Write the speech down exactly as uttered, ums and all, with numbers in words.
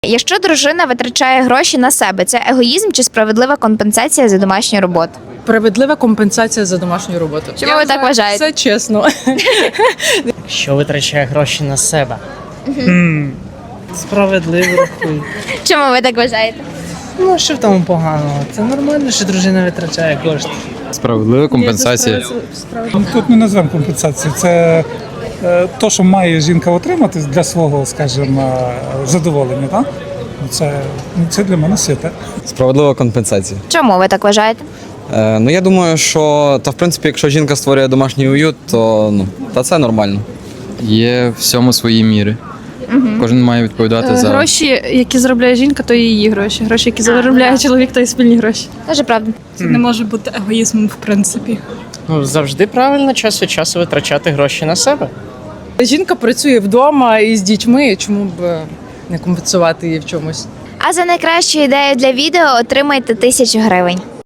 якщо дружина витрачає гроші на себе, це егоїзм чи справедлива компенсація за домашню роботу? Справедлива компенсація за домашню роботу. Чому ви так вважаєте? Все чесно. Що витрачає гроші на себе? М, Справедливо рахую. Чому ви так вважаєте? Ну, що в тому поганого? Це нормально, що дружина витрачає кошти. Справедлива компенсація. Тут не назвемо компенсацію. Це е, то, що має жінка отримати для свого, скажімо, задоволення. Так? Це, ну, це для мене святе. Справедлива компенсація. Чому ви так вважаєте? Е, ну я думаю, що та в принципі, якщо жінка створює домашній уют, то ну та це нормально. Є всьому свої міри. Кожен має відповідати за Гроші, які заробляє жінка, то і її гроші. Гроші, які заробляє чоловік, то і спільні гроші. Дуже правда. Це не може бути егоїзмом, в принципі. Ну, завжди правильно час від часу витрачати гроші на себе. Жінка працює вдома із дітьми, чому б е, не компенсувати її в чомусь? А за найкращу ідею для відео отримайте тисячу гривень.